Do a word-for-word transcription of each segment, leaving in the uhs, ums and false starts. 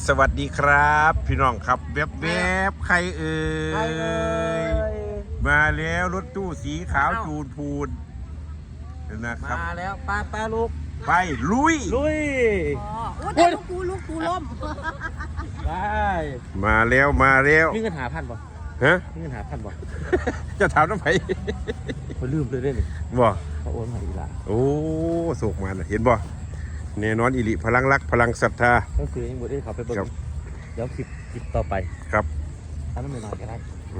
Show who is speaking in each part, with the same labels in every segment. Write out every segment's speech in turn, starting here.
Speaker 1: สวัสดีครับพี่น้องครับแวบแวบใครเอ่ยมาแล้วรถตู้สีขาวจูนพูนนะครับ
Speaker 2: มาแล้วป้าป้าลูก
Speaker 1: ไปลุย
Speaker 2: ลุย
Speaker 3: อ๋อแต่ลูกกูลูกกูล้ม
Speaker 2: ได้
Speaker 1: มาแล้วมาแล้ว
Speaker 2: มีเงินหาพันป่ะ
Speaker 1: ฮะ
Speaker 2: มีเงินหาพันป่ะ
Speaker 1: จะถามน้ำไผ่
Speaker 2: เขาลืมเลยได้หนึ่ง
Speaker 1: บ่
Speaker 2: เขาโอนมาอีกละ
Speaker 1: โอ้โศกมาเห็นบ่แน่นอนอิริพลังรักพลังศรัทธา
Speaker 2: ก็คือยังบดได้เขาไปเบิ่งเดี๋ยวคลิปคลิปต่อไป
Speaker 1: ครับ
Speaker 2: ถ้าไม่นอนก็ได้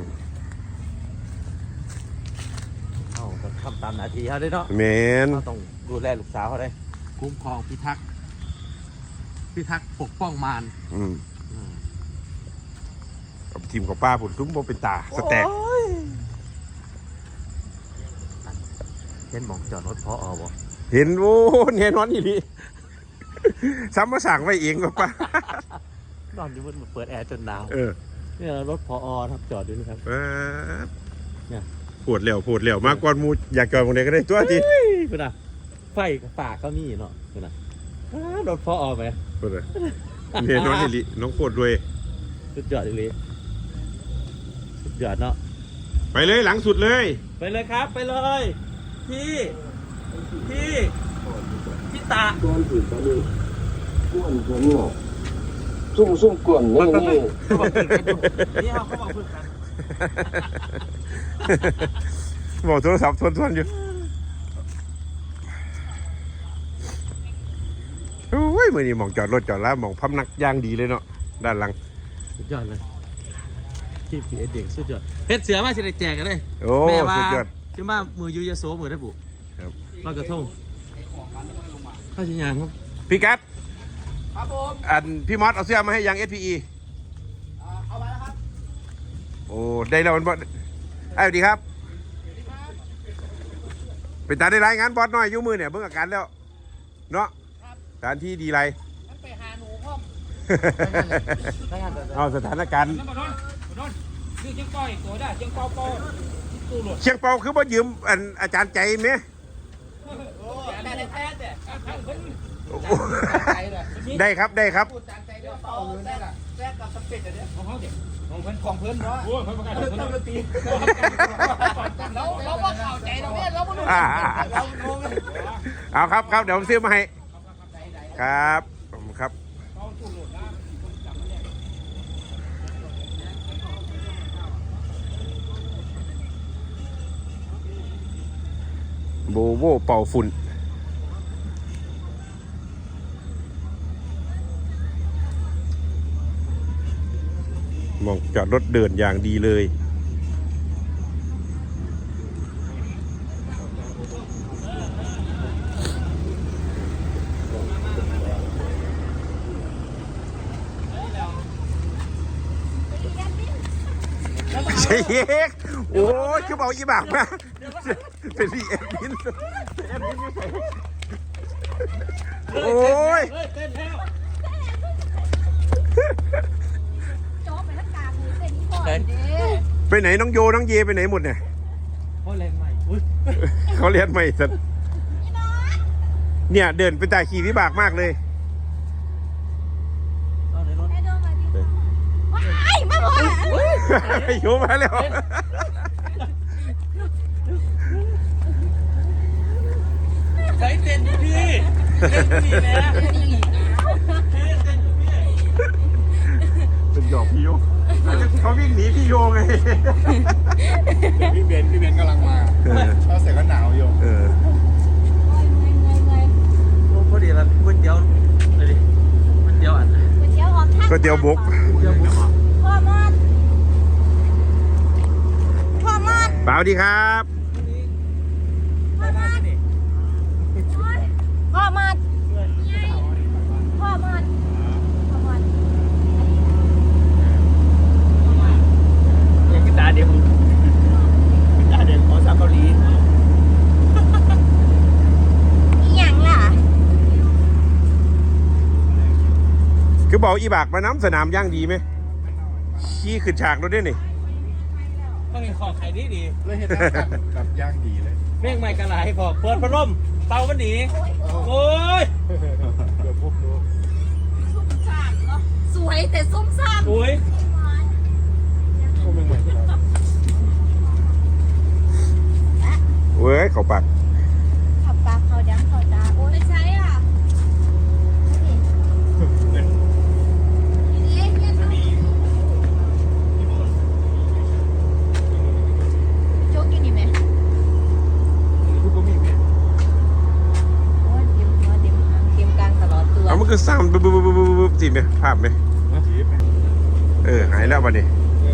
Speaker 2: เอาทำตามหน้าที่เขาได้เนาะ
Speaker 1: แมน
Speaker 2: เขาต้องดูแลลูกสาวเขาได้คุ้มครองพิทักษ์พิทักษ์ปกป้องมาร
Speaker 1: อืมกับทีมของป้าผุนซุ้มโบเป็นตาสแต็ก
Speaker 2: เห็นมองจอดรถพออบ่
Speaker 1: เห็นโอ้แน่นอนอิริซ้ำมาสั่งไว้เองกับป้าน
Speaker 2: อนอยู่บนเปิดแอร์จนหนาว
Speaker 1: เออ
Speaker 2: เนี่ยรถพออครับจอดอยู่นะครับ
Speaker 1: เนี่ยปวดเหลวปวดเหลวมากกว่ามูอยากจอดตรงไหนก็ได้ตัวที
Speaker 2: คุณอ่ะไฟฝากเขามีเนาะคุณอ่ะรถพออไหม
Speaker 1: คุณอ่ะเนี่ยน้องอิริน้องปวดด้วย
Speaker 2: สุดยอดเลยสุดยอดเนาะ
Speaker 1: ไปเลยหลังสุดเลย
Speaker 2: ไปเลยครับไปเลยพี่พี่พี่ตาก้อนถือตาดูก้อนหัวหงอกซุ่มซุ่มก้อนนี่นี่นี่เขาเขาบอกเพื่อนกัน
Speaker 1: บอกโทรศัพท์ทวนทวนอยู่โอ้ยเมื่อนี้มองจอดรถจอดแล้วมองพับนักย่างดีเลยเนาะด้านหลัง
Speaker 2: สุดยอดเลยที่พีเอสเด็กสุดยอดเพชรเสือมาสิได้แจกกันเลย
Speaker 1: โอ้สุดยอด
Speaker 2: จะมามือยูยาโซมือได้บุ
Speaker 1: ครับ
Speaker 2: ลอยกระทงข้าชิญานครับ
Speaker 1: พี่กัด
Speaker 3: ครับผม
Speaker 1: อันพี่มอสเอาเสื้อมาให้ยัง เอส พี อี
Speaker 3: เอามาแล้วครับ
Speaker 1: โอ้ได้แล้วมันบอสไอ้สวัสดีครับเป็นตาได้รายงานบอสหน่อยยุ่มือเนี่ยเบิ่งอาการแล้วเนาะสถานที่ดีไร
Speaker 3: ไปหาหนูพ่อม
Speaker 1: เอาสถานการณ์
Speaker 3: คือเชียงปอยตัวได้เชียงปอปอตู้หลุด
Speaker 1: เชียงเปาคือบ่ยืมอันอาจารย์ใจไหมได้ครับได้ครับ
Speaker 3: ของเพื่อนของเพื่อนเนาะโอ้ยเพื่อนประกาศเพื่อนต้องตีเราเราว่าข่าวใจเราเนี่ยเราไม่รู้
Speaker 1: เอาครับครับเดี๋ยวผมซื้อมาให้ครับผมครับโบโบเป่าฝุ่นมองจอดรถเดินอย่างดีเลยเชคโอ้ยคือบอกอีบากนะเป็นพี่เอ็มบินโอ้ยไปไหนน้องโยน้องเยไปไหนหมดเนี่ย
Speaker 2: เขาเรียนใหม่
Speaker 1: เขาเรียนใหม่สัตว์เนี่ยเดินไปตาขี่วิบากมากเลยโยมาแล้ว
Speaker 2: ใส่เต้นพี่เต้นพี่แม่
Speaker 1: เป็นดอกพี่โยเขาวิ่งหนีพี่โยไง
Speaker 4: พี่เบนพี่เบนกำลังมาเขาเสร็จก็หนาวอยู่
Speaker 1: เออ
Speaker 2: พอดีแล้วก๋วยเตี๋ยวอะไรดิก๋วยเตี๋ยวอัน
Speaker 3: ก๋วยเตี๋ยวหอมท่า
Speaker 1: ก๋วยเตี๋ยวบุก
Speaker 2: ก๋วยเตี๋ยวบุก
Speaker 3: พ่อมอดพ่อมอด
Speaker 1: เปล่าดีครับ
Speaker 3: พ่อมอดพ่อมอดพ่อมอดพ่อมอด
Speaker 2: เนี่ยกีตาร์เดียวกีตาร์เดียวของสาวเกาหลี
Speaker 3: อีหยังล่ะ
Speaker 1: คือบอกอีบากมาน้ำสนามย่างดีไหมขี้ขึ้นฉากรถด้วยนี่
Speaker 2: ต้องมีขอไข่ดีดี
Speaker 4: เลยเห็นแบบย่างดีเลย
Speaker 2: เมฆใหม่กระไรพอเปิดพัดลมเตามันหนีโอ้ย
Speaker 4: เกือบพบดู
Speaker 3: สวย
Speaker 5: แต่ส้มซ่าม
Speaker 3: โอ้ย
Speaker 1: เว้ยเขาปัก
Speaker 5: ขับปากเขาดังเขาตาโอ้ยใช่อ่ะเล่นเนี่ยโจ๊กกินอยู่ไหมโอ้ยเตรียมหัวเตรียมหางเตรียมกลางตลอดตัว
Speaker 1: เอามันคือซ้ำบึ๊บบึ๊บบึ๊บบึ๊บบึ๊บจีบไหมภาพไหมเออหายแล้วบัดนี้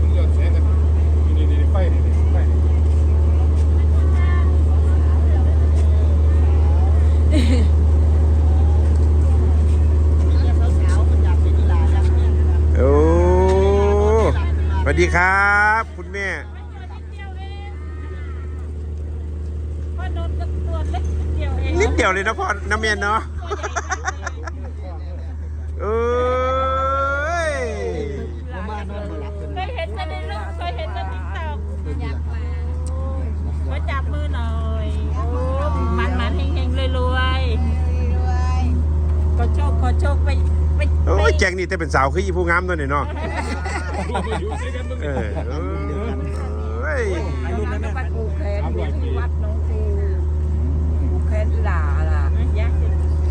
Speaker 1: โอ้สวัสดีครับคุณแม่นิดเดียวเลยนะพ่อน้ำเมียนเนาะเอ้ย
Speaker 6: เคยเห็นแต่ในรูปเคยเห็นแต่ติ๊กต็อก
Speaker 5: อยากมา
Speaker 6: มาจับมือหน่อยโอ้มันมันเฮงเฮงรวยรวยขอโชคขอโชคไปไป
Speaker 1: โอ้ยแจงนี่แต่เป็นสาวคืออีผู้งามตัวนี่เนาะเออเอ้ย
Speaker 6: ไปปูแคนที่วัดน้องครูปูแคนหลาล่ะยาก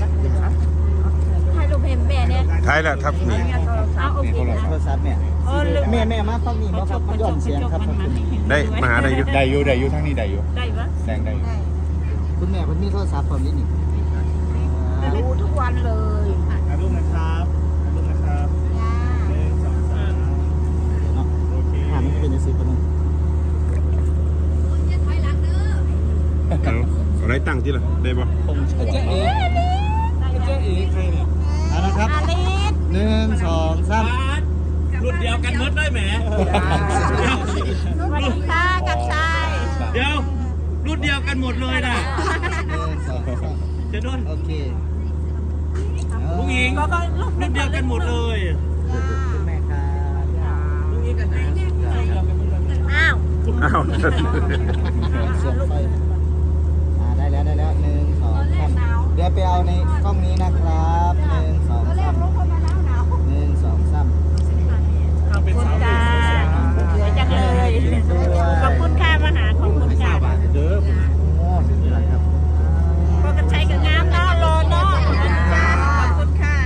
Speaker 6: ถ่ายรูปเห็นแม่เนี่ย
Speaker 1: ท้ายแล้วครับนี่
Speaker 6: เอาโอเคนะ
Speaker 3: โทรศัพท์เนี่ย
Speaker 6: เออลืม
Speaker 3: แม่แม่มาฟังนี่มาฟังย้อนเสียงครับ
Speaker 1: ได้มาหาได้อยู่
Speaker 4: ได้อยู่ได้อยู่ทั้งนี้ได้อยู่
Speaker 6: ได้ปะ
Speaker 4: แซงได้อยู่
Speaker 3: คุณแม่คุณมีโทรศัพท์ผมนี่นี่
Speaker 6: ดูทุกวันเลย
Speaker 4: ถ่ายรูปนะครับถ่ายรูปนะครับหนึ่งสองสามโอเค
Speaker 3: ถามมันเป็นยังไงปะน้อง
Speaker 5: คุณจะถอยหลังเด้อ
Speaker 1: เอาเอาไรตั้งที่ละได้ปะ
Speaker 3: ผมเจ๊เอ๋เจ๊เอ๋ใครเนี่ยเอาละครับ
Speaker 6: อาลิส
Speaker 3: หนึ่งสองสาม
Speaker 7: รุ่นเดียวกันหมดได้ไหม
Speaker 6: สวัสดีค่ะกับชาย
Speaker 7: เดี๋ยว รุ่นเดียวกันหมดเลยนะ
Speaker 3: หนึ่งสองสาม
Speaker 7: เจะนุ่น
Speaker 3: โอเค
Speaker 7: ผู้หญิง
Speaker 6: ก็ก็ลูก
Speaker 7: รุ่นเดียวกันหมดเลย
Speaker 3: คุณแม่ครับ
Speaker 7: ผู้หญิงกันนะ
Speaker 6: อ้าว
Speaker 1: อ้าว
Speaker 3: เสียงไฟอ่าได้แล้วได้แล้วหนึ่งสองสามเดี๋ยวไปเอาในกล้องนี้นะครับหนึ่งสองสามหนึ่งสองสาม
Speaker 6: ขอบคุณค่ะสวยจังเลยขอบคุณค่ะมาหาขอบคุณค่ะ
Speaker 3: เด้อโอ้นี่แหละครับ
Speaker 6: พวกกันใช้กับงามเนาะรอเนาะขอบคุณค่ะขอบคุณค่ะ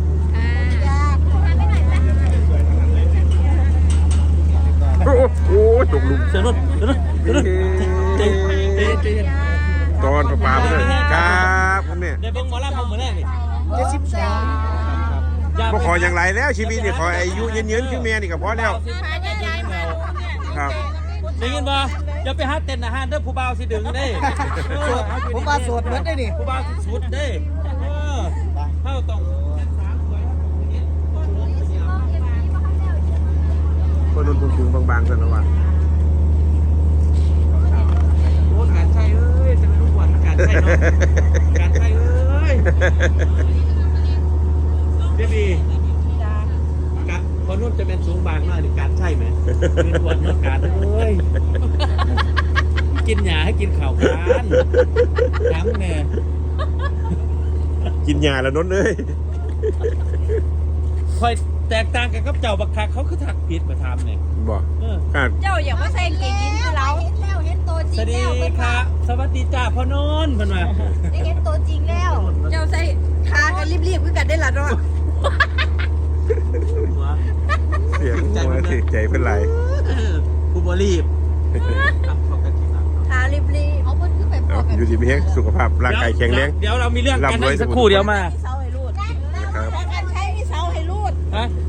Speaker 1: โอ้โหตกหลุม
Speaker 7: เจะนุ่นเจะนุ่นเจะนุ่นเจ๊เจ๊เจ๊
Speaker 1: ตอนประปาไปเลยครับคุณแม่
Speaker 7: ได้เบิ้งหมอลำผมเหมือนแรกนี่
Speaker 6: เจ็ดสิบสอง
Speaker 1: ก็ขออย่างไรแล้วชีวิตนี่ขออายุยืนยืนขึ้นแม่นี่ก็พอแล้ว
Speaker 6: พาจะย้ายมา
Speaker 1: ครับ
Speaker 7: ได้ยินบ่อย่าไปหาเต้นอาหารเด้อผู้บ่าวสิดึงเด้
Speaker 3: ผมมาสวดเหมือนได้นี่
Speaker 7: ผู้บ่าวสิสุดเด้เออเฮาต้อง
Speaker 1: คนนุ่นสูงๆบางๆกันนะวะ
Speaker 7: โอ้การใช้เอ้ยจะเป็นลูกหวานการใช้เนาะการใช้เอ้ยเดี๋ยวดีกะคนนู้นจะเป็นสูงบางมากในการใช่ไหมเป็นหวานเนาะการเอ้ยกินหยาให้กินข่าวกันน้ำเนี่ย
Speaker 1: กินยาแล้วนนท์เอ้ย
Speaker 7: คอยแตกต่างกันกับเจ้าบักคักเขาคือถักผิดมาทำเนี่ย
Speaker 1: บอก
Speaker 7: เออ
Speaker 1: ขาด
Speaker 6: เจ้าอย่ามาใส่เกงยีนคือเรา
Speaker 5: เห็นแล้วเห็นตัวจ
Speaker 7: ส
Speaker 5: ริง
Speaker 7: วัสดี
Speaker 5: แล้วเป็น
Speaker 7: ค่ะ สวัสดีจ้าพ่อโนนเพิ่นมา
Speaker 5: ได้เห็นตัวจริงแล้ว
Speaker 6: เจ้าใส่ทากันรีบๆคือกันได้ละเนาะ
Speaker 7: หัว
Speaker 1: เสียงหัวเสียใจเป็นไร
Speaker 7: เออผู้บรีบทำเข้ากันจริงครับ
Speaker 6: ทารีบ
Speaker 5: เอาเพิ่นขึ้นไปบ
Speaker 1: เอา
Speaker 5: อกกัน
Speaker 1: อยู่ดีมีแห้งสุขภาพร่างกายแข็งแรง
Speaker 7: เดี๋ยวเรามีเรื่องกัน
Speaker 1: ร่ำรวย
Speaker 7: สักครู่เดียวมา
Speaker 6: ๆมีเสาให้รูด
Speaker 1: นะครับ
Speaker 6: การใช้มีเสาให้รูด
Speaker 7: ฮะ